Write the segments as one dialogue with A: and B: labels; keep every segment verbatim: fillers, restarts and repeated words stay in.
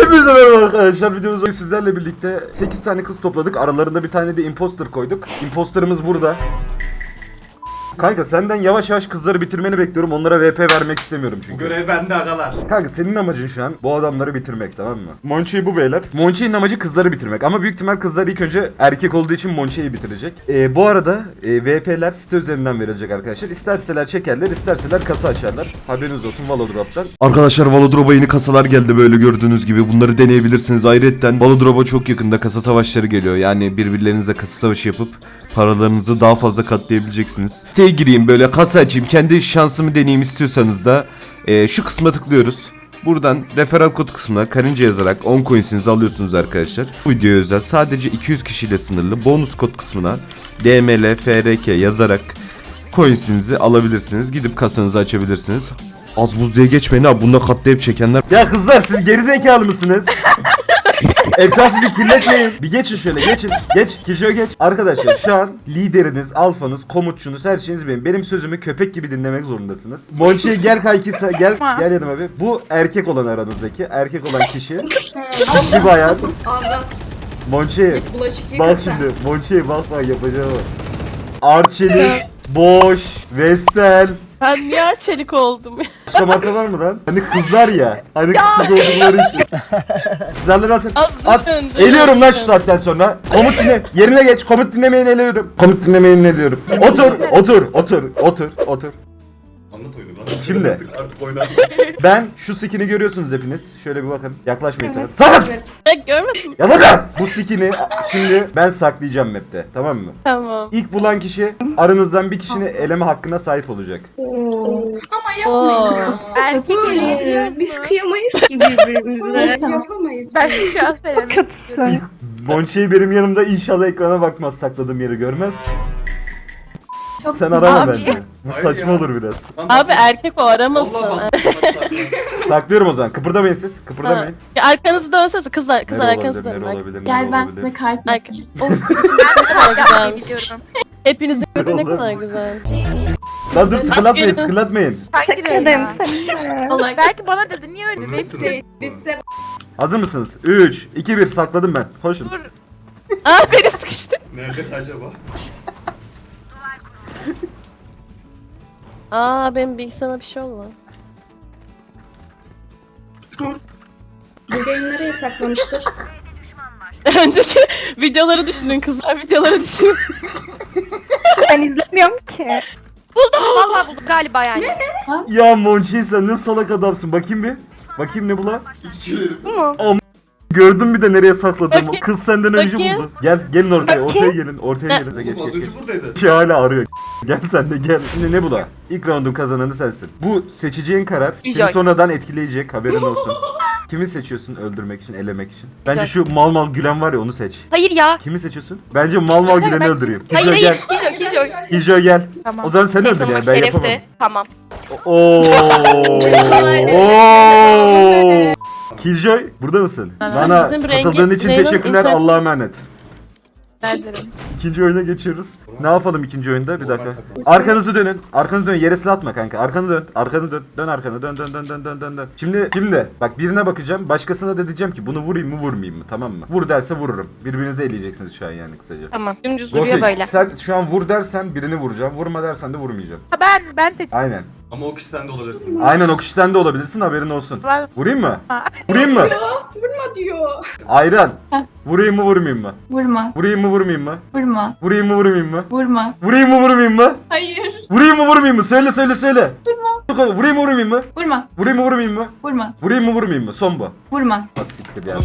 A: Hepinize merhaba arkadaşlar, videomuzda sizlerle birlikte sekiz tane kız topladık. Aralarında bir tane de imposter koyduk. Imposterımız burada. Kanka senden yavaş yavaş kızları bitirmeni bekliyorum. Onlara V P vermek istemiyorum çünkü.
B: Bu görev bende agalar.
A: Kanka senin amacın şu an bu adamları bitirmek, tamam mı? Monçe'yi bu beyler. Monçe'nin amacı kızları bitirmek. Ama büyük ihtimal kızlar ilk önce erkek olduğu için Monçe'yi bitirecek. Ee, bu arada e, V P'ler site üzerinden verilecek arkadaşlar. İsterseler çekerler, isterseler kasa açarlar. Haberiniz olsun Valodrop'tan.
C: Arkadaşlar Valodrop'a yeni kasalar geldi böyle gördüğünüz gibi. Bunları deneyebilirsiniz. Ayrıca Valodrop'a çok yakında kasa savaşları geliyor. Yani birbirlerinizle kasa savaşı yapıp paralarınızı daha fazla katlayabileceksiniz. Siteye gireyim böyle kasa açayım, kendi şansımı deneyeyim istiyorsanız da e, şu kısma tıklıyoruz. Buradan referral kod kısmına karınca yazarak on coins'inizi alıyorsunuz arkadaşlar. Bu videoya özel sadece iki yüz kişiyle sınırlı bonus kod kısmına D M L F R K yazarak coins'inizi alabilirsiniz. Gidip kasanızı açabilirsiniz. Az buz diye geçmeyin abi, bunda katlayıp çekenler.
A: Ya kızlar siz gerizekalı mısınız? Etrafı bir kirletmeyin. Bir geçin şöyle, geçin. Geç, Kişiye geç. Arkadaşlar şu an lideriniz, alfanız, komutçunuz, her şeyiniz benim. Benim sözümü köpek gibi dinlemek zorundasınız. Monçe gel kanki, gel gel yanıma abi. Bu erkek olan aranızdaki, erkek olan kişi. Ciddi bayağı.
D: Anlat.
A: Monçe
D: Bulaşık
A: bak şimdi, Monçe'ye bak bak yapacağım. Arçelik, Boş, Vestel.
E: Ben niye çelik oldum?
A: Başka marka var mı lan? Hani kızlar ya. Hani kız oldukları için. Silahları atın.
E: Az
A: At.
E: döndü.
A: Eliyorum lan şu saatten sonra. Komut dinle. Yerine geç. Komut dinlemeyeni eliyorum. Komut dinlemeyeni eliyorum. Otur. Otur. Otur. Otur. Otur.
B: Anlat oyunu lan.
A: Şimdi.
B: Artık, artık oynar.
A: Ben şu skin'i görüyorsunuz hepiniz. Şöyle bir bakın. Yaklaşmayın sakın. Sakın!
D: Evet.
E: Ben görmedim.
A: Ya lan! Bu skin'i şimdi ben saklayacağım map'te. Tamam mı?
E: Tamam.
A: İlk bulan kişi aranızdan bir kişinin eleme hakkına sahip olacak.
D: Ama
E: Oo.
D: yapmayın ya.
F: Erkek
D: Bu
F: eleyebilir.
D: Biz kıyamayız ki birbirimize. Yapamayız.
F: Ben şu an söylemek
A: İlk Monçe'yi benim yanımda inşallah ekrana bakmaz, sakladığım yeri görmez.
F: Çok
A: Sen
F: güzel
A: arama
F: bir şey.
A: bence. Bu
B: Hayır
A: saçma
B: ya.
A: olur biraz.
B: Lan
E: Abi
B: bak-
E: erkek o aramasın.
B: Allah bak.
A: Saklıyorum o zaman. Kıpırdamayın siz.
E: Ha.
A: Kıpırdamayın.
E: Ya arkanızı dönsenize kızlar, kızlar
A: Nere
E: arkanızı
A: olabilir,
E: dönün.
A: nere
E: Bak.
A: olabilir, nere
F: Gel ben
A: olabilir?
F: size kalp
E: Arka.
F: yapayım.
E: Of, ne kadar güzelmiş.
F: biliyorum.
E: Hepinizin
A: Ne
E: götü ne
A: olur?
E: kadar güzel.
A: Lan dur sıkılatmayın,
E: Askerin-
A: sıkılatmayın.
F: Hangi
D: Allah
F: Belki bana dedi niye öyle
B: Nasıl?
D: biz se biz se
A: Hazır mısınız? üç, iki, bir sakladım ben. Koşun.
E: Aa beni sıkıştı.
B: Nerede acaba?
E: Aa benim bilgisayarıma bir şey oldu.
D: bu yayın nereye saklamıştır?
E: Önceki videoları düşünün kızlar, videoları düşünün.
F: Ben izlemiyorum ki.
G: Buldum vallahi buldum galiba yani.
A: Ya Monçi sen ne salak adamsın. Bakayım bir. Bakayım ne bu la?
G: Bu mu?
A: Gördün bir de nereye sakladığımı.
E: Bakayım.
A: Kız senden önce
E: Bakayım.
A: buldu. Gel, gelin ortaya.
E: Bakayım.
A: Ortaya gelin. Ortaya gelin. Geç,
B: Oğlum az
A: geç,
B: önce
A: geç.
B: buradaydı.
A: Şey hala arıyor. Gel sen de gel. Şimdi ne bu la? İlk roundun kazananı sensin. Bu seçeceğin karar seni
G: Güzel.
A: sonradan etkileyecek, haberin olsun. Kimi seçiyorsun öldürmek için, elemek için? Bence
G: Güzel.
A: şu mal mal gülen var ya, onu seç.
G: Hayır ya.
A: Kimi seçiyorsun? Bence mal mal güleni öldüreyim.
G: Hayır
A: Kijo
G: hayır.
A: gel.
G: Kijo Kijo.
A: Kijo gel.
F: Tamam.
A: O zaman sen
G: Seni
A: öldür yani,
G: tanımak
A: ben yapamam.
G: şerefti. Tamam.
A: Oo. Oo. Killjoy burada mısın? Bana
E: Bizim rengi-
A: katıldığın için
E: Reynon
A: teşekkürler.
E: internet-
A: Allah'a emanet.
F: Ederim.
A: İkinci oyuna geçiyoruz. Ne yapalım ikinci oyunda? Bir
B: Normal
A: dakika.
B: saklan.
A: Arkanızı dönün. Arkanızı dönün. Yere silah atma kanka. Arkanı dön. Arkanı dön. Dön arkanı. Dön dön dön dön dön dön dön. Şimdi şimdi bak birine bakacağım. Başkasına da diyeceğim ki bunu vurayım mı vurmayayım mı? Tamam mı? Vur derse vururum. Birbirinize eleyeceksiniz şu an yani kısaca.
G: Tamam. Dümdüz duruyor
A: Gofik,
G: böyle.
A: sen şu an vur dersen birini vuracağım. Vurma dersen de vurmayacağım.
F: Ben ben seç.
A: Aynen.
B: Ama o kişi sen de olabilirsin.
A: Aynen o kişi sen de olabilirsin, haberin olsun.
F: Ben-
A: Vurayım mı? Vurayım mı?
D: Vurma diyor.
A: Ayran.
F: Heh.
A: Vurayım mı vurmayayım mı?
F: Vurma.
A: Vurayım mı vurmayayım mı?
F: Vurma.
A: Vurayım mı vurmayayım mı?
F: Vurma.
A: Vurayım mı vurmayayım mı?
D: Hayır.
A: Vurayım mı vurmayayım mı? Söyle söyle söyle. Vurma. Vurayım mı vurmayayım mı?
F: Vurma.
A: Vurayım mı vurmayayım mı?
F: Vurma.
A: Vurayım mı vurmayayım mı? Son bu.
F: Vurma.
A: Ha, siktir ya.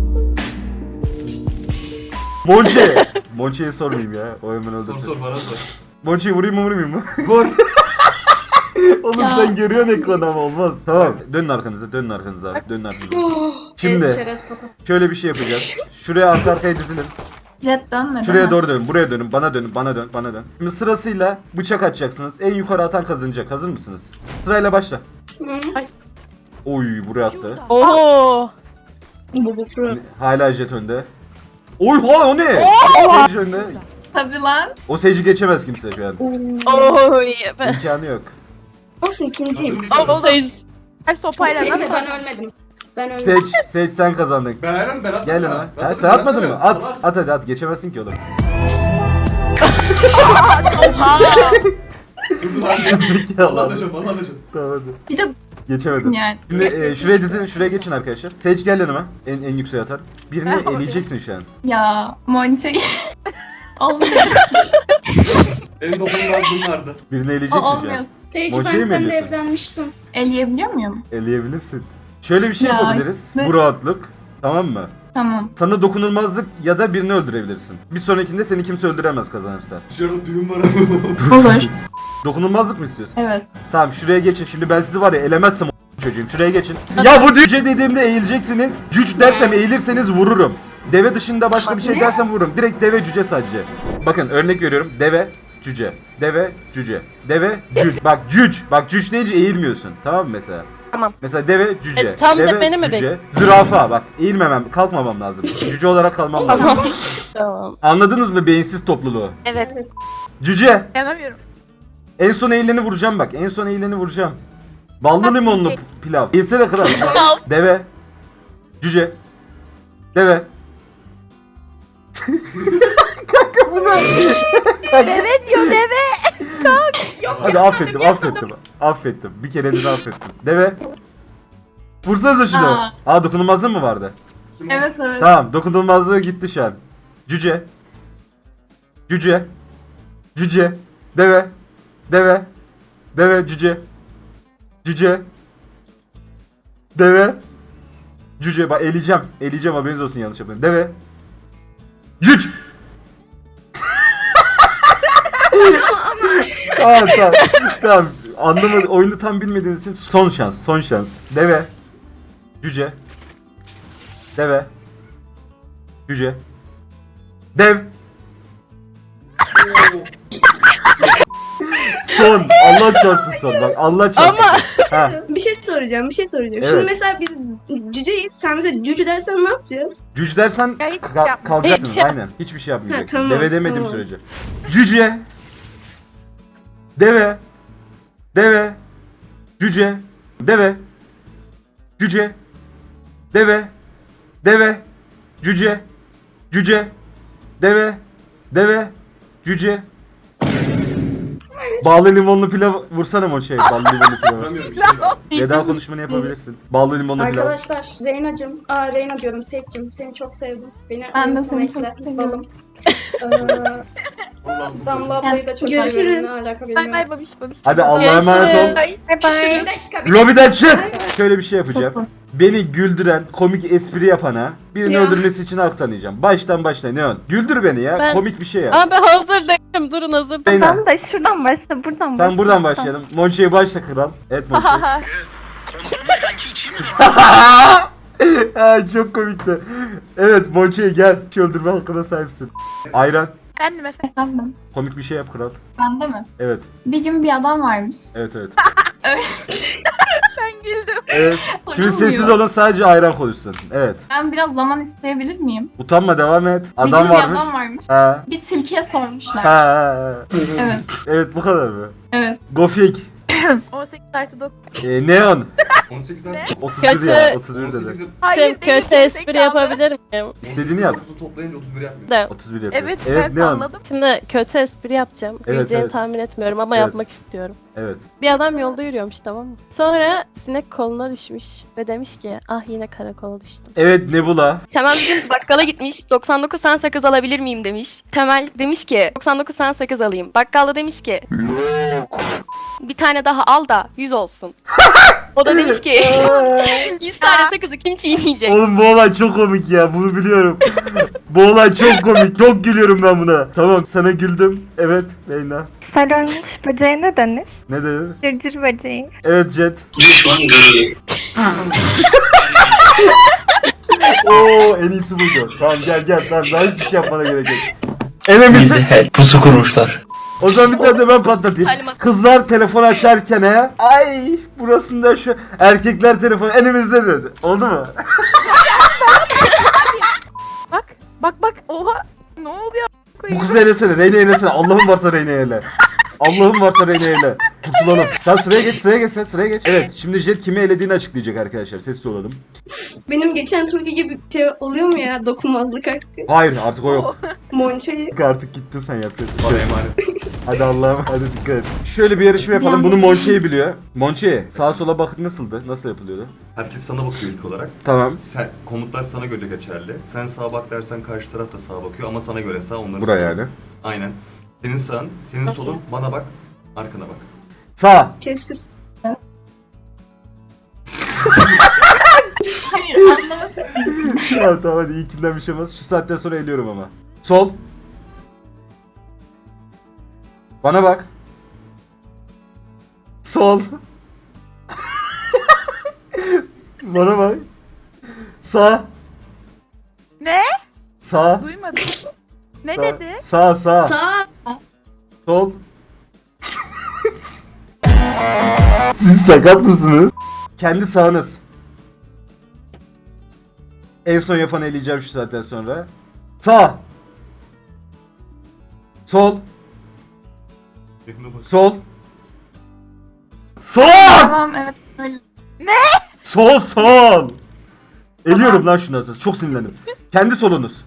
A: Monçe. Monçe'ye sormayayım ya. O hemen
B: Sor
A: öldürsün.
B: sor bana sor.
A: Monçe'yi vurayım mı vurmayayım mı?
B: Vur.
A: Oğlum sen görüyorsun ekranı ama olmaz. Tamam. Dönün arkanıza, dönün arkanıza abi. Dönün arkanıza.
D: Oh.
A: Şimdi.
D: Ez çerez pata.
A: Şöyle bir şey yapacağız. Şuraya arka arkaya dizilin.
F: Jet dönme.
A: Şuraya
F: deme.
A: doğru dönün. Buraya dönün. Bana dönün. Bana dön. Bana dön. Şimdi sırasıyla bıçak atacaksınız. En yukarı atan kazanacak. Hazır mısınız? Sırayla başla.
D: Hı.
A: Oy buraya attı.
E: Oo.
D: Bu bu fırın.
A: Hala jet önde. Oy ha o ne? Sage önde.
F: Tabii lan.
A: O Sage'i geçemez kimse şu an.
E: Oo iyi. Ben.
A: İmkanı yok.
D: Olsun ikinciyim.
B: Hazır mısın?
E: O sayı.
F: Her sopayla
D: Neyse
F: nasıl?
D: ben ölmedim. Ben öyle.
A: Seç, seç sen kazandın.
B: Ben aynen ben atmadım.
A: Gel
B: ha.
A: lan.
B: Ben
A: Ha,
B: atmadım,
A: sen
B: ben
A: atmadın mı?
B: atmadım.
A: At,
B: Salak.
A: at hadi at. Geçemezsin ki oğlum.
B: Dur lan.
A: Zekalı
B: Allah
A: adam.
B: da şop, Allah da şop.
A: Tamam hadi.
F: Bir de
A: Geçemedim.
F: yani.
A: Şimdi e, şuraya dizin, şuraya geçin arkadaşlar. Seç gel yanıma. En en yükseğe atar. Birini eleyeceksin şu an.
F: Ya Monça'yı. Olmuyor.
B: En dokunulmazlığım vardı.
A: Birini
F: O
A: eleyeceksin şu
F: olmuyor.
A: an.
D: Seyirci
A: Monçayı
D: ben
A: mı
D: seninle
A: ediyorsun?
D: evlenmiştim.
F: Eleyebiliyor muyum?
A: Eleyebilirsin. Şöyle bir şey
F: Ya
A: yapabiliriz.
F: işte.
A: Bu rahatlık. Tamam mı?
F: Tamam.
A: Sana dokunulmazlık ya da birini öldürebilirsin. Bir sonrakinde seni kimse öldüremez kazanırsa.
B: Dışarıda düğün var ama.
F: Olur.
A: Dokunulmazlık mı istiyorsun?
F: Evet.
A: Tamam şuraya geçin. Şimdi ben sizi var ya elemezsem o çocuğum. Şuraya geçin. Ya bu cüce dediğimde eğileceksiniz. Cüc dersem eğilirseniz vururum. Deve dışında başka bir şey
F: Ne?
A: dersem vururum. Direkt deve cüce sadece. Bakın örnek veriyorum. Deve cüce. Deve cüce. Deve cüc. Bak cüc. Bak cüc deyince eğilmiyorsun. Tamam mı mesela?
G: Tamam.
A: Mesela deve cüce.
E: E, tam da
A: deve,
E: beni mi
A: cüce. Zürafa bak. Eğilmemem, kalkmamam lazım. Cüce olarak kalmam lazım.
E: Tamam.
A: Anladınız mı beyinsiz topluluğu?
G: Evet.
A: Cüce.
F: Yanamıyorum.
A: En son eğileni vuracağım bak. En son eğileni vuracağım. Ballı limonlu pilav. Eğilsene kral. Deve. Cüce. Deve. Kanka bu ne? Deve diyor deve. Hadi affettim affettim. Affettim. Bir kere de affettim. Deve. Vursanıza şunu.
F: Aa.
A: Aa dokunulmazlığı mı vardı?
F: Evet evet.
A: Tamam dokunulmazlığı gitti şu an. Cüce. Cüce. Cüce. Deve. Deve. Deve cüce. Cüce. Deve. Cüce bak eleyeceğim. Eleyeceğim haberiniz olsun yanlış yapmayın. Deve. Cüc. tamam tamam. Tamam. Anlamadı. Oyunu tam bilmediğiniz için son şans. Son şans. Deve. Cüce. Deve. Cüce. Dev. Son. Allah çarpsın son. Bak Allah çarpsın. Ama. Ha.
D: Bir şey soracağım, bir şey soracağım.
A: Evet.
D: Şimdi mesela biz cüceyiz, sen bize cüce dersen ne yapacağız?
A: Cüc dersen
G: Ya hiç
A: ka-
G: yapma.
A: kalacaksınız
E: Hiçbir şey-
A: aynen. Hiçbir şey yapmayacaksın.
D: Ha, tamam,
A: Deve demediğim
D: tamam.
A: sürece. Cüce. Deve. Deve. Cüce. Deve. Cüce. Deve. Deve. Cüce. Cüce. Deve. Deve. Cüce. Bağlı limonlu pilav vursana mı o şey? Bağlı limonlu pilavı.
B: Vuramıyorum bir şey var.
A: Veda konuşmanı yapabilirsin. Bağlı limonlu pilav.
D: Arkadaşlar, Reyna'cım, aa Reyna diyorum, Seyit'cim, seni çok sevdim. Beni
F: Ben de
D: oyun sona
F: seni çok
D: ekle,
F: seviyorum.
D: balım. Ee,
B: Allah'ım bu
D: Damla
B: çocuk.
D: ablayı da çok
F: Görüşürüz.
D: seviyorum, ne alaka bilmiyorum.
G: Bay bay babiş babiş.
A: Hadi Allah'a emanet ol.
E: Görüşürüz.
G: Bay bay.
D: Bir dakika, bir
A: Lobiden çık. Şöyle bir şey yapacağım.
F: Çok-
A: Beni güldüren, komik espri yapana birini
D: Ya.
A: öldürmesi için hak tanıyacağım. Baştan başla Neon. Güldür beni ya.
E: Ben-
A: Komik bir şey yap.
E: Abi hazır değilim. Durun hazır.
A: Reyna.
F: Ben de şuradan başla, buradan başla.
A: Tamam buradan başlayalım. Monçe'ye başla kral. Evet Monçe. Ay çok komikti. Evet Monçe'ye gel. Şu öldürme hakkına sahipsin. Ayran.
G: Efendim efendim.
F: Efendim,
A: Komik bir şey yap kral.
F: bende mi?
A: Evet.
F: Bir gün bir adam varmış.
A: Evet evet.
G: Ben güldüm.
A: Evet. Şimdi
F: Sorulmuyor.
A: sessiz olun sadece ayran konuşsun. Evet.
F: Ben biraz zaman isteyebilir miyim?
A: Utanma devam et.
F: Bir
A: Adam
F: gün bir
A: varmış.
F: adam varmış.
A: Ha.
F: Bir tilkiye sormuşlar.
A: Ha, ha, ha.
F: Evet,
A: Evet bu kadar mı?
F: evet.
A: Gofik.
G: on sekiz artı dokuz.
A: Ee, Neon.
B: on sekizden
A: otuz bir
E: Kötü.
A: ya. otuz bir dedi.
B: on sekizden
G: Hayır
E: Kötü espri yapabilir miyim?
A: İstediğini yap.
B: dokuzu toplayınca otuz bir yapmıyor.
E: De.
A: otuz bir yapıyor.
G: Evet,
A: evet
G: ben
A: Neon.
G: anladım.
E: Şimdi kötü espri yapacağım.
A: Evet,
E: Güleceğini
A: evet.
E: tahmin etmiyorum ama
A: Evet.
E: yapmak istiyorum.
A: Evet.
E: Bir adam yolda yürüyormuş, tamam mı? Sonra sinek koluna düşmüş ve demiş ki ah yine karakola düştüm.
A: Evet Nebula.
G: Temel bir gün bakkala gitmiş. doksan dokuz tane sakız alabilir miyim demiş. Temel demiş ki doksan dokuz tane sakız alayım. Bakkal da demiş ki bir tane daha al da yüz olsun. O da demiş ki yüz tane sakızı kim çiğneyecek?
A: Oğlum bu olay çok komik ya. Bunu biliyorum. Bu olay çok komik. Çok gülüyorum ben buna. Tamam sana güldüm. Evet Reyna.
F: Salonmuş böceğe ne denir?
A: Ne dedin?
F: Cırcır böceği.
A: Evet Jet. Oo en iyisi buydu. Tamam gel gel. Tamam daha hiçbir şey yapmana gerek yok. Enemizi.
H: Bizi pusu kurmuşlar.
A: O zaman bir tane de ben patlatayım.
E: Halim-
A: Kızlar telefon açarken he. Ay burasında şu erkekler telefon elimizde dedi. Oldu mu?
G: Bak bak bak oha. Ne oluyor?
A: Bu kızı elesene. Reyna elesene. Allah'ın varsa Reyna ele. Allah'ın varsa Reyna ele. Kurtulalım. Sen sıraya geç sıraya geç sen sıraya geç. Evet şimdi Jet kimi elediğini açıklayacak arkadaşlar. Sessiz olalım.
D: Benim geçen turki gibi bir şey oluyor mu ya? Dokunmazlık hakkı.
A: Hayır artık o yok.
D: Monçayı.
A: Artık gittin sen yapıyorsun.
B: Bana emanet.
A: Hadi Allah'ım hadi dikkat et. Şöyle bir yarışma yapalım. Bunu Monçe'yi biliyor. Monçe sağa sola bakıp nasıldı? Nasıl yapılıyordu?
B: Herkes sana bakıyor ilk olarak.
A: Tamam.
B: Sen, komutlar sana göre geçerli. Sen sağa bak dersen karşı taraf da sağa bakıyor ama sana göre sağ onların
A: Buraya
B: solu.
A: yani.
B: Aynen. Senin sağın, senin
G: Nasıl?
B: solun, bana bak, arkana bak.
A: Sağ.
D: Sessiz.
F: Hayır anlamak için.
A: Tamam tamam hadi ilkinden bir şey olmaz. Şu saatten sonra eliyorum ama. Sol. Bana bak. Sol. Bana bak. Sağ.
H: Ne?
A: Sağ.
H: Duymadım. Ne
A: Sağ.
H: dedi?
A: Sağ sağ.
D: Sağ.
A: Sol. Siz sakat mısınız? Kendi sağınız. En son yapan eleyeceğim şu saatten sonra. Sağ. Sol.
B: Yakına bak.
A: Sol. Sol.
F: Tamam evet öyle.
A: Sol sol. Eliyorum lan şundan sonra. Çok sinirlendim. Kendi solunuz.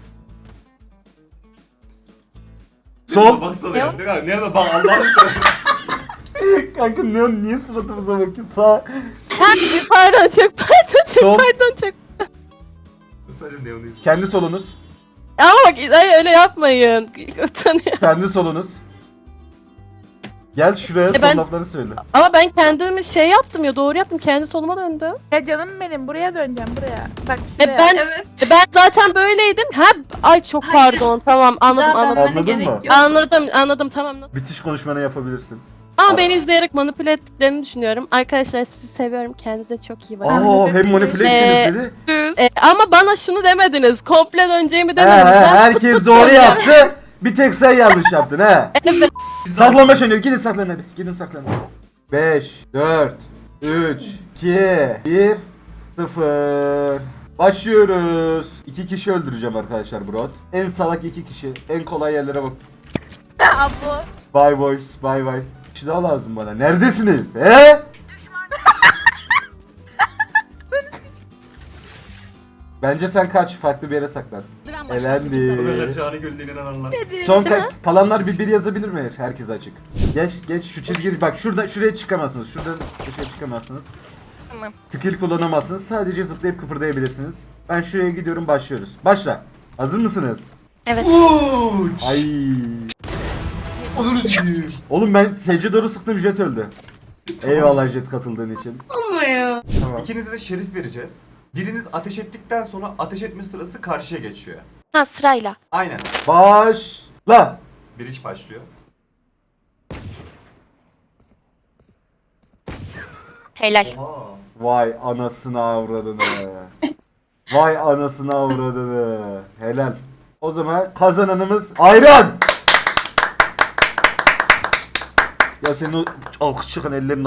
A: Sol.
B: Baksana ya. Ne, ne da bak Allah'ını seversen.
A: Kanka ne, niye suratımıza bakıyorsun? Sağ.
E: Pardon çok pardon çok
A: Sol.
E: pardon çok.
B: Sadece neonu izliyorum.
A: Kendi solunuz.
E: Ama bak hayır, öyle yapmayın. Utanıyorum.
A: Kendi solunuz. Gel şuraya
E: E
A: son
E: ben-
A: laflarını söyle.
E: Ama ben kendimi şey yaptım ya doğru yaptım. Kendi soluma döndüm.
H: Ya canım benim buraya döneceğim buraya. Bak
E: E
H: şuraya.
E: ben
F: Evet.
E: e ben zaten böyleydim. Ha ay çok
F: Hayır.
E: pardon. Tamam anladım
F: Daha
E: anladım.
F: dönmene
A: Anladın
F: gerek
A: mı?
F: yok.
E: Anladım anladım tamam.
A: Bitiş konuşmanı yapabilirsin.
E: Ama beni izleyerek manipüle ettiklerini düşünüyorum. Arkadaşlar sizi seviyorum. Kendinize çok iyi bakın.
A: Aa hem manipüle
E: Ee,
A: ettiniz dedi.
G: Düz.
E: E, ama bana şunu demediniz. Komple döneceğimi
A: He,
E: demediniz.
A: he,
E: Ben-
A: herkes doğru yaptı. Bir tek sen yanlış yaptın he. Saklanma oynuyor. Gidin saklanın hadi. Gidin saklanın. beş, dört, üç, iki, bir, sıfır. Başlıyoruz. İki kişi öldüreceğim arkadaşlar Brot. En salak iki kişi. En kolay yerlere bak.
H: Abo.
A: Bye boys. Bye bye. Bir kişi daha lazım bana. Neredesiniz? He? Bence sen kaç. Farklı bir yere saklan.
B: Bu kadar
A: Elendi.
B: cani gönlüne inananlar.
A: Son ka- kalanlar bir bir yazabilir mi? Herkes açık. Geç geç şu çizgi bak şurada şuraya çıkamazsınız. Şuradan dışarı çıkamazsınız.
G: Tamam.
A: Skill kullanamazsınız. Sadece zıplayıp kıpırdayabilirsiniz. Ben şuraya gidiyorum başlıyoruz. Başla. Hazır mısınız?
G: Evet.
B: Uç.
A: Ay.
B: Onur üzgünüm.
A: Oğlum ben Sece doğru sıktım Jet öldü. Eyvallah Jet katıldığın için.
D: Ama ya.
A: Tamam.
B: İkinize de şerif vereceğiz. Biriniz ateş ettikten sonra ateş etme sırası karşıya geçiyor.
G: Ha sırayla.
B: Aynen.
A: Başla.
B: Bir iş başlıyor.
G: Helal.
B: Oha.
A: Vay anasını avradını. Vay anasını avradını. Helal. O zaman kazananımız Ayran. Ya senin o alkış çıkan ellerin